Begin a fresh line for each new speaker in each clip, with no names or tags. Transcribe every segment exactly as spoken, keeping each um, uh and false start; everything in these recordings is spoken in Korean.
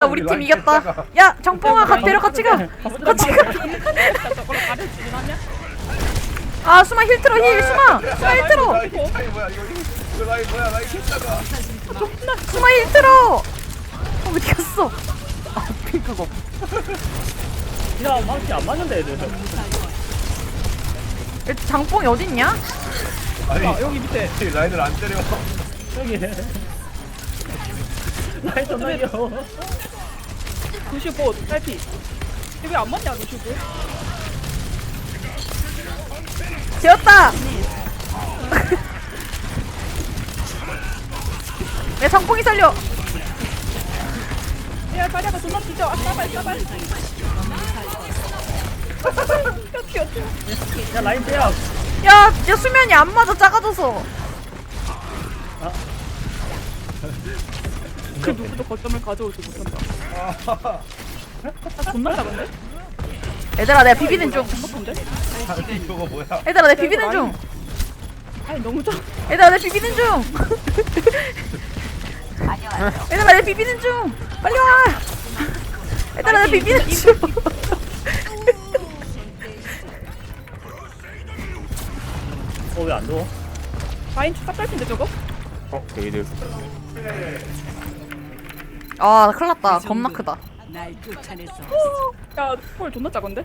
우리 팀 이겼다. 야 정뽕아 가 데려 같이 가. 같이 가. 아 수마 힐 틀어 힐 수마 수마 힐 틀어.
라인 차이 뭐야 이거 이거 라인 뭐야 라인 힐다가
수마 힐 틀어. 어, 어디 갔어? 아 핑크고.
야 망치 안 맞는데 애들.
일단 장뽕이 어딨냐?
아니
아, 여기 밑에
라인을 안 때려
여기. 라인 좀 날려.
루시오 딸피 이게 안 맞냐 루시오
되었다. 내 장뽕이 살려.
야 다리아가 존나 뒤져 아 싸발 싸발 튀어 튀어
야 라인 빼야.
야, 야 수면이 안 맞아 작아져서.
그 누구도 거점을 가져오지 못한다 아 존나 작은데?
얘들아 내가 비비는 중.
똑똑한데?
아니 저거 뭐야
얘들아 내가 비비는 중.
아니 너무 작아
얘들아 내가 비비는 중. 얘들아 내가 비비는 중. 빨리 와. 얘들아 내가 비비는 중.
어 왜 안 누워?
라인 딱 딸핀데 저거?
어 게이드
아 큰일났다. 겁나 크다.
야초월 존나 작은데?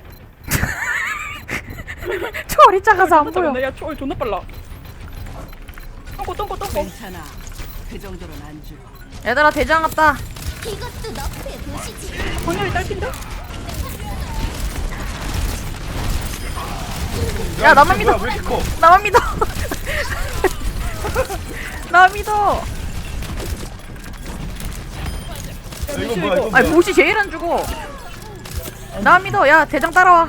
초월이 작아서 안 보여.
작은데? 야 초월 존나 빨라 똥꼬 똥꼬 똥꼬
괜찮아. 그 정도는 안 줘.
얘들아 대장 왔다.
이것도 너프의 도시지.
광렬이 딸핀데?
야 나만 믿어.
왜 이렇게 커
나만 믿어. 나만 믿어.
야, 이거 뭐야 이거
아니
뭐야
보시 제일 안 죽어. 나만 믿어. 야 대장 따라와.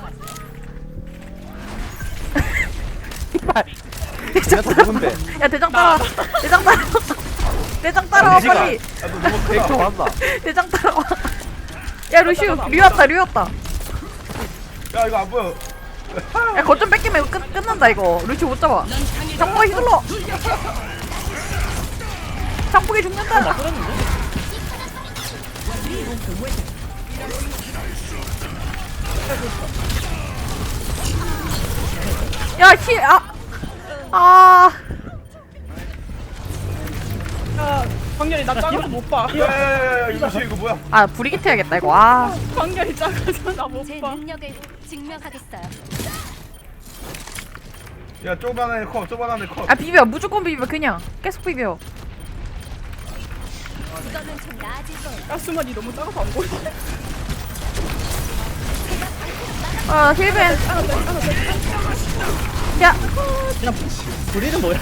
대장 따라와. 야 대장 따라와. 대장 따라와. 대장 따라와 빨리.
야너 너무 크다 왔다
대장 따라와. 야 루시우 류 왔다 류 왔다.
야 이거 안 보여
야 거점 뺏기면 이거 끝, 끝난다 이거. 루시우 못 잡아. 장봉이 휘둘러. 장봉이 죽는다. 야 힐. 아. 아.
야 광렬이 나 작아서 못봐
야야야야 이거 뭐지 이거 뭐야
아 브리기트 해야겠다 이거. 아.
광렬이 작아서
제
나못봐
능력을 증명하겠어요.
야 쪼만한 애커 쪼만한 애커
아 비벼 무조건 비벼 그냥 계속 비벼.
이거는 좀 나아질 거예요.
야 수만이 너무 작아서 안 보여
아 힐벤. 야.
그냥 불이는 뭐야?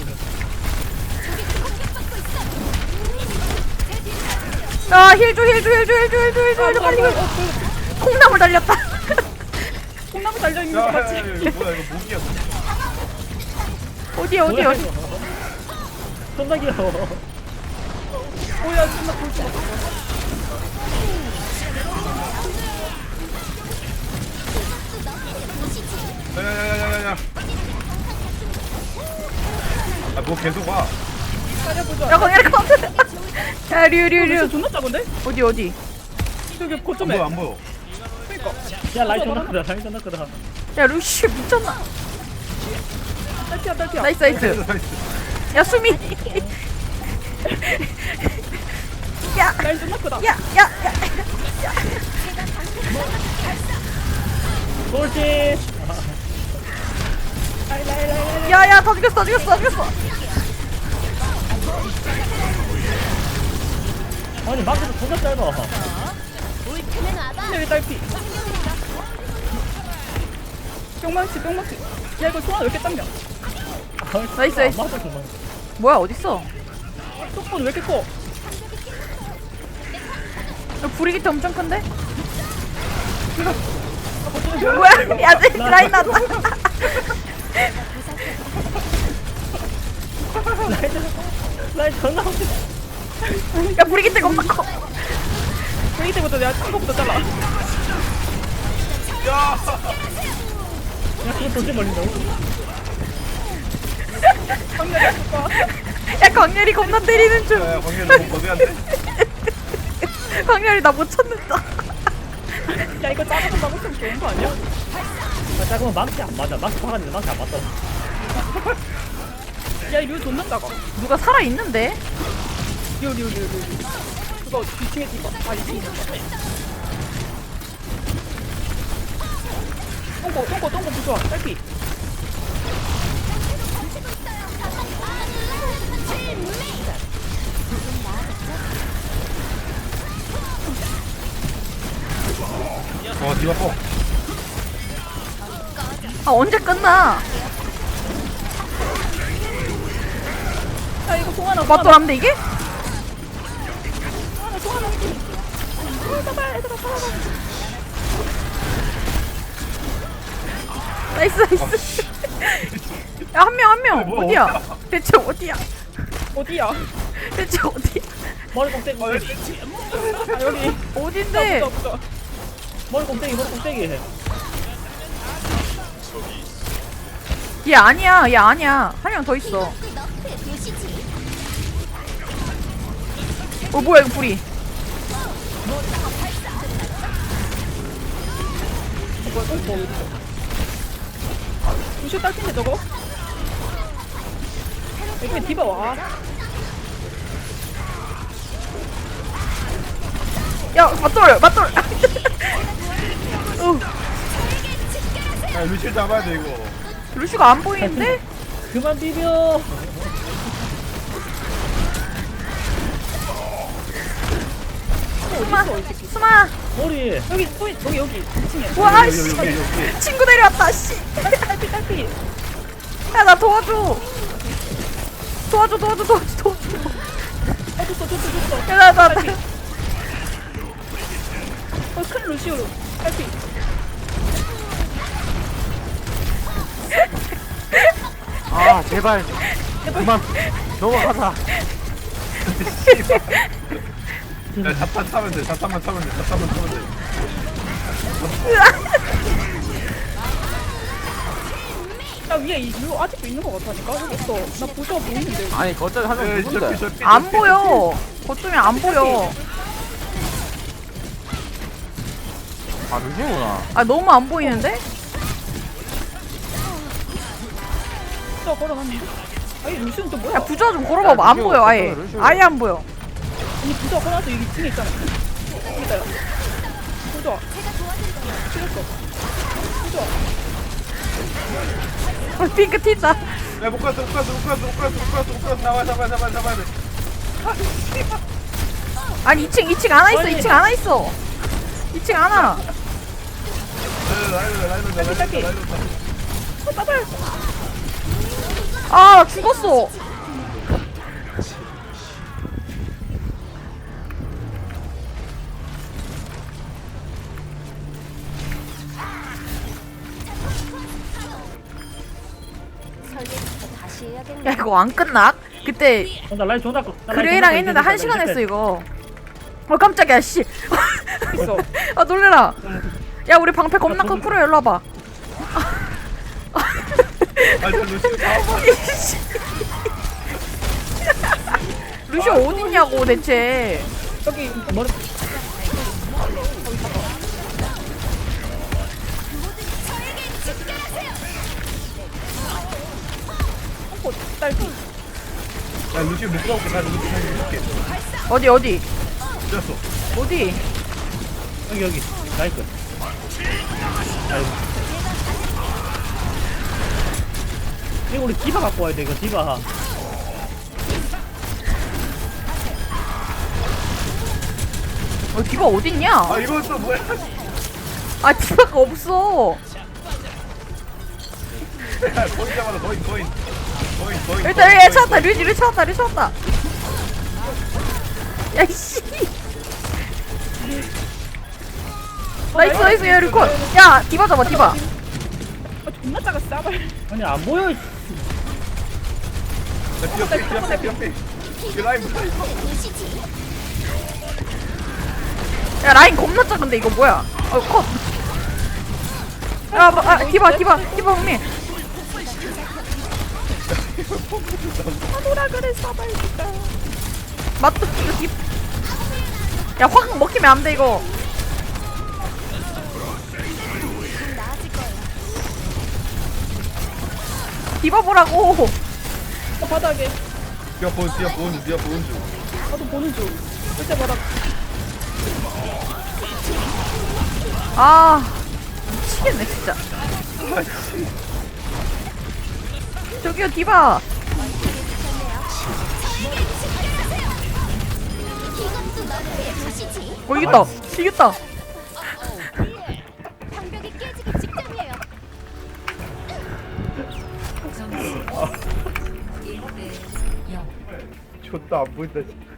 아 힐줘 힐줘 힐줘 힐줘 힐줘 힐줘 힐줘 빨리. 콩나물 달렸다.
콩나물 달려있는 거 맞지?
야야야 이거 뭐야 이거 목이야
어디 어디
뭐야,
어디.
이거? 존나 귀여워.
오야 존나 볼수 없어
야야야야야야 아뭐 계속 와
따려보자
야 거기 카운트. 야 류류류.
루시오 존나 작은데?
어디 어디.
저기
안
거점에
보여 안 보여
그니까
야 라인 존나 크다. 라인 존나 크다.
야 루시 미쳤나.
딸피야 딸피야
나이스 나이스.
나이스
야 수미. 야.
라인 존나 크다
야, 야, 야,
돌진.
야, 야, 다 죽였어, 다 죽였어, 다 죽였어.
아니 망치도 존나 짧아.
울트는 와봐.
광렬이 딸피 뿅망치 뿅망치 야 이거 소환 왜 이렇게 당겨
나이스, 나이스.
아, 맞아 정말.
뭐야, 어딨어?
속본 왜 이렇게 커?
야, 브리기트 엄청 큰데? 뭐야? 야, 쟤 라인 났다.
라인 존나 웃겨.
야, 브리기트 겁나 커.
회의 때부터 내가 친 거부터 잘라
야
야 그거 돌진 걸린다고?
광렬이 아플 거야
야, 광렬이 겁나 때리는 중.
야 광렬 너무 거대한데
광렬이 나 못 찾는다.
야 이거 작아서 막으면 좋은 거 아니야?
나 작으면 망치 안 맞아. 망치 박았는데 망치 안 맞다.
야 이거 존나 작아.
누가 살아 있는데?
리오 리오 리오 리오. 그거 뒤층에 뒤봐. 아 이층에 뒤봐. 똥꼬 똥꼬 똥꼬 부숴. 딸피.
어 디바 뽕.
아 언제 끝나?
야 이거 송 하나.
맞돌 안돼 이게?
하나 송 하나. 어 잡아 얘들아 잡아.
나이스 나이스. 야 한 명 한 명
뭐야,
어디야?
어디야?
대체 어디야?
어디야?
대체 어디야?
머리 꽁대기.
아 여기.
어딘데?
부숴 부숴.
머리 꽁대기 머리 꽁대기.
얘 아니야 얘 아니야 한 명 더 있어.
이것도 너프의 도시지.
어 뭐야 이거 불이?
뭐야 똥꼬 어디 있어? 루시오 딸핀데 저거? 여기 디바 와.
야 맞돌 맞돌. 어,
야 루시 잡아야 돼 이거.
루시가 안 보이는데?
그만 비벼.
스마
어디 있어 이 새끼?
스마.
머리.
여기 또 있- 여기 여기 이 층에.
와
여기,
씨.
여기, 여기, 여기.
친구 내려왔다 씨.
딸피 딸피.
야 나 도와줘. 도와줘 도와줘 도와줘 도와줘.
어 줬어 줬어 줬어.
야나 나 나.
어큰 루시오로 딸피.
아 제발 그만 넘어가자.
야 자탄 타면 돼. 자탄만 타면 돼. 자탄만 타면 돼.
야 위에 이 이거 아직도 있는 거 같다니까. 여기 있어. 나 부숴 보이는데.
아니 거절 하면
에이,
누군데?
저피, 저피,
안
저피,
보여. 거점이 안 보여.
아 루시구나.
아 너무 안 보이는데?
부숴 걸어놨는데. 아니 루시오는 또 뭐야?
야 부자 좀 걸어봐봐. 안
루시오,
보여 아예.
루시오.
아예 안 보여.
아니 부숴 걸어놔서 여기 층에 있잖아. 여기다요. 부숴. 싫었어. 부숴.
어, 핑크 튄다.
야못 갔어 못 갔어 못 갔어 못 갔어 못 갔어 못 갔어. 잡아 잡아 잡아 잡아야 돼.
아니 이 층 이 층 안와 있어.
아니.
이 층 안와 있어. 이 층 안와.
라이브 라이브 라이브
딸피.
라이브.
어 따발.
아 나 죽었어.
설계부터 다시 해야겠네.
야 이거 안 끝나? 그때
어, 나 라인 존나 거. 나 라인
그레이랑
존나
했는데
거.
한 시간 했어 이거. 어 깜짝이야 씨.
있어.
아 놀래라. 야 우리 방패 겁나 큰 프로 일로 와봐.
아 저 루시 잡아.
루시 어딨냐고 대체.
여기
머리.
똥꼬 딸피.
야 루시 못 가볼게. 나 루시 못 가볼게.
어디 어디
됐어.
어디?
여기 여기. 나이스. 아이고. 이거 우리 디바 갖고 와야 돼 이거 디바.
어 디바 어딨냐?
아 이건 또 뭐야?
아 디바가 없어.
야 거인 잡아라 거인 거인. 거인 거인.
일단 얘 찾았다. 류지 류 찾았다. 류 찾았다. 야이씨. 나이스 나이스 야 류콘. 야 디바 잡아 디바.
아 존나 작아 싸발.
아니 안 보여. 이
야 뛰어 뛰어 뛰어 뛰어 뛰어. 이 라이브 라이브.
도시지.
야 라인 겁나 작은데 이거 뭐야? 어 컷. 야 뭐, 아, 디바 디바 디바 형님.
뭐라 그래 싸발 진짜.
맞다 이거 디. 야 확 먹히면 안 돼 이거.
나아질 거예요.
디바 보라고.
어, 바닥에.
니가 본 니가 본 니가 본 중.
나도 보는 중. 절대 바닥.
아 미치겠네 진짜. 저기요 디바.
이것도 너의 도시지.
어 이겼다 이겼다.
방벽이 깨지기 직전이에요.
좋다 안 보인다.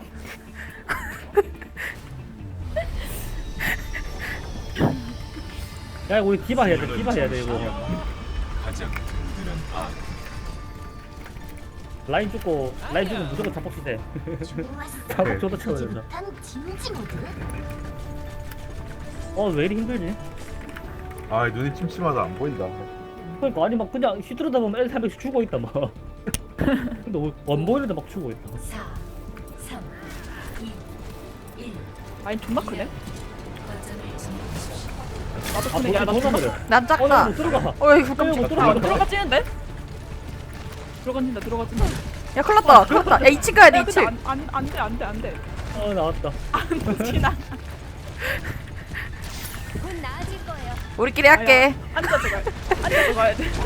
야 우리 디바 해야 돼 디바 해야 돼 이거 라인 죽고 라인 죽으면 무조건 잡박시 돼 잡박 줘도 채워야 된다
단 진지 모드.
어왜 이리 힘들지?
아 눈이 침침하다 안 보인다.
그러니까 아니 막 그냥 휘두르다 보면 엘 삼백씩 죽어 있다 막 근데 원 보이는데 막 죽어 있다
아니 존나 크네. 나도
아
크네. 야, 나
벌써
존나
돌아가려
난
어
작다.
나 못 들어가
어 이거
어,
깜짝.
못
아,
들어가
들어가지는데? 들어간다, 들어가진다.
야 큰일났다 큰일났다. 야 이 층 가야 돼
야,
이
근데
층.
안, 안, 안 돼, 안 돼, 안 돼.
어 나왔다
안 지나.
곧 나아질 거예요.
우리끼리 할게.
앉아서 가야 돼. 앉아서 가야 돼.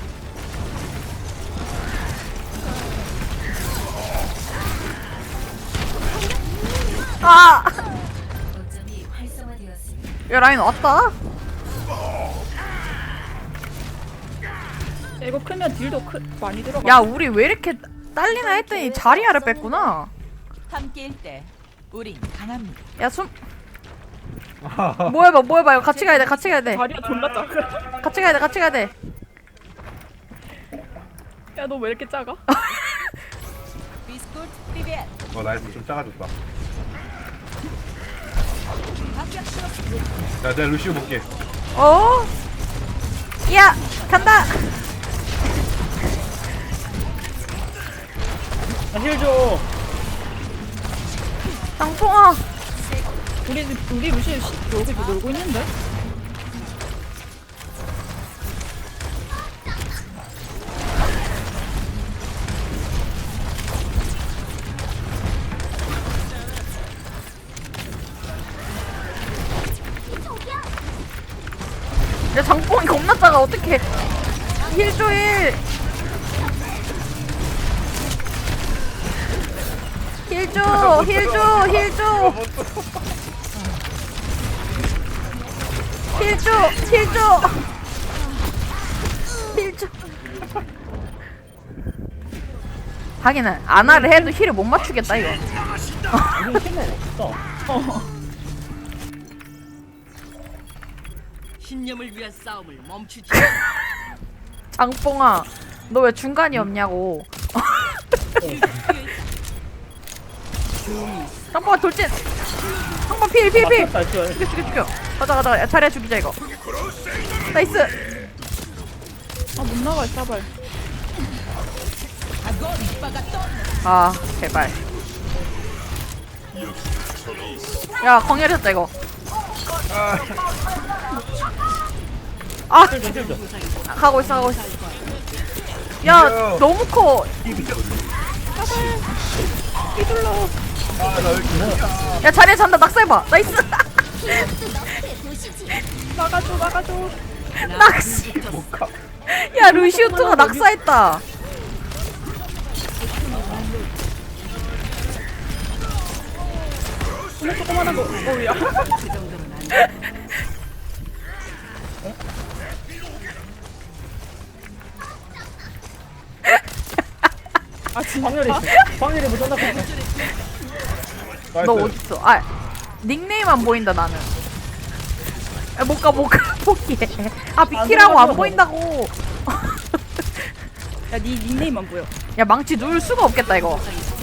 아. 야 라인 왔다.
야, 이거 크면 딜도 크, 많이 들어가.
야 우리 왜 이렇게 딸리나 했더니 자리아를 뺐구나.
함께일 때 우린 강합니다.
야 숨. 뭐 해봐 뭐 해봐 이거 같이 가야 돼 같이 가야 돼
다리가 존나 작아.
같이 가야 돼 같이 가야 돼.
야, 너 왜 이렇게 작아?
비스코트 프리벳.
어 나이스 좀 작아졌다. 야 내가 루시오 볼게.
어? 야 간다.
나힐줘
장풍아.
우리, 우리 루시 여기 놀고 있는데?
야 장풍이 겁나 작아 어떡해. 힐줘 힐. 힐줘 힐줘 힐줘 힐줘 힐줘 힐줘. 하기는 아나를 해도 힐을 못 맞추겠다 이거.
우리 힘은 없어
신념을 위한 싸움을 멈추지.
장뽕아 너 왜 중간이 없냐고. 장뽕아 돌진. 장뽕 필필필.
맞췄다 했어
죽여 죽여 죽여. 가자 가자. 야, 자리야 죽이자 이거. 나이스.
아, 못 나가, 싸발.
아 제발. 야 광열했다 이거. 아
힐줘 힐줘
가고 있어 가고 있어. 야 너무 커.
휘둘러.
아나왜 이렇게
야 자리에 잔다. 낙사해봐. 나이스.
이것도 너의 도시지.
나가줘, 나가줘.
낚시. 야 루시우트가 낙사했다.
정말 조그만한 거. 어우야. 아, 진짜?
광렬이 광렬이 못 잡나
너 어딨어? 아 닉네임 안 보인다 나는. 야, 못 가, 못 가, 포기해. 아 비키라고 안 보인다고.
야, 니 닉네임만 보여.
야 망치 누울 수가 없겠다 이거.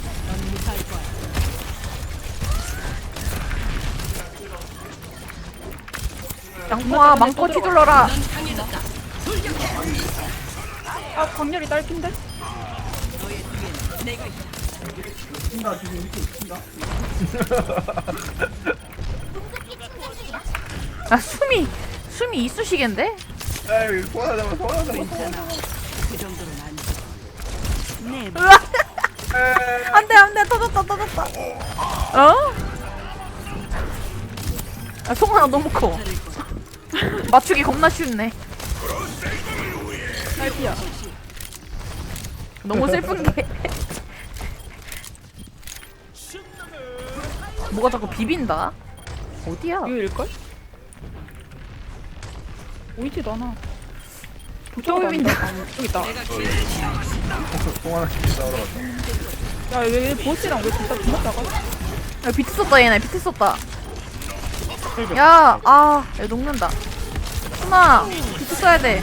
양봉아 망토 휘둘러라.
아, 광렬이 딸핀데?
아,
아 숨이 숨이 이쑤시개인데?
에이 소환 잡아 소환 잡아
그 정도는 안 돼. 네,
으아!
에이
안돼 안돼 터졌다 터졌다. 어? 아 송하나 너무 커. 맞추기 겁나 쉽네.
딸피야.
너무 슬픈 게 뭐가 자꾸 비빈다? 어디야?
이거 일걸? 보이지도 않아. 저기 있다. 저기 있다.
소환 시키 싸우러 갔다
야, 왜, 왜 보스랑 왜 진짜 존나 작아?
야 비트 썼다 얘네 비트 썼다. 야, 아, 야, 녹는다. 순아, 비트 써야 돼.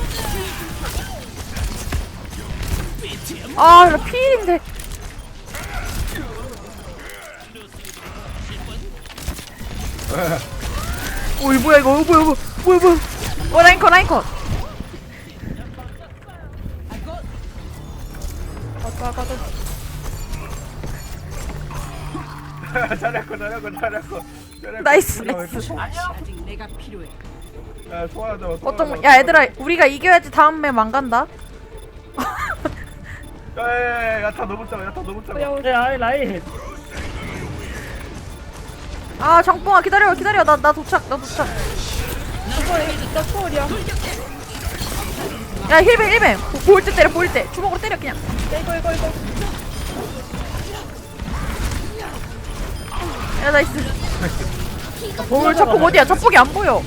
아, 나 피일인데. 오, 이 뭐야 이거? 어, 뭐야, 뭐야, 뭐야, 뭐야? 어, 라인컷, 라인컷.
가자, 가자.
잘했고 잘했고 잘했고 잘했고.
나이스,
우리가
나이스.
왜
아직 내가 필요해.
또- 야 소환 잡아 소환
어떤,
잡아,
야, 얘들아, 우리가 이겨야지 다음 맵 안 간다.
야야야 야타 너무 작아 야타 너무 작아
야,
야 아이 라인.
아, 장뽕아, 기다려, 기다려. 나, 나 도착, 나 도착.
나 초월이야.
야, 힐벤, 힐벤. 보- 보일 때 때려, 보일 때. 주먹으로 때려, 그냥.
이거, 이거, 이거.
야, 나이스. 볼 자폭 어디야? 자폭이 안 보여.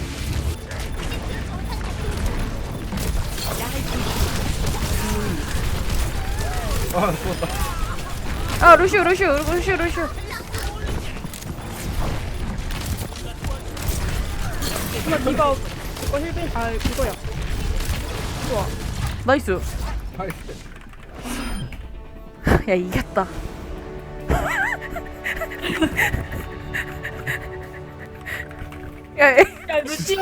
아 죽었다
아, 루시우, 루시우, 루시우, 루시우.
이거, 이거, 이거 힐빈, 아, 이거야. 좋아.
나이스.
나이스
야, 이겼다. 야, 야,
야, 루시오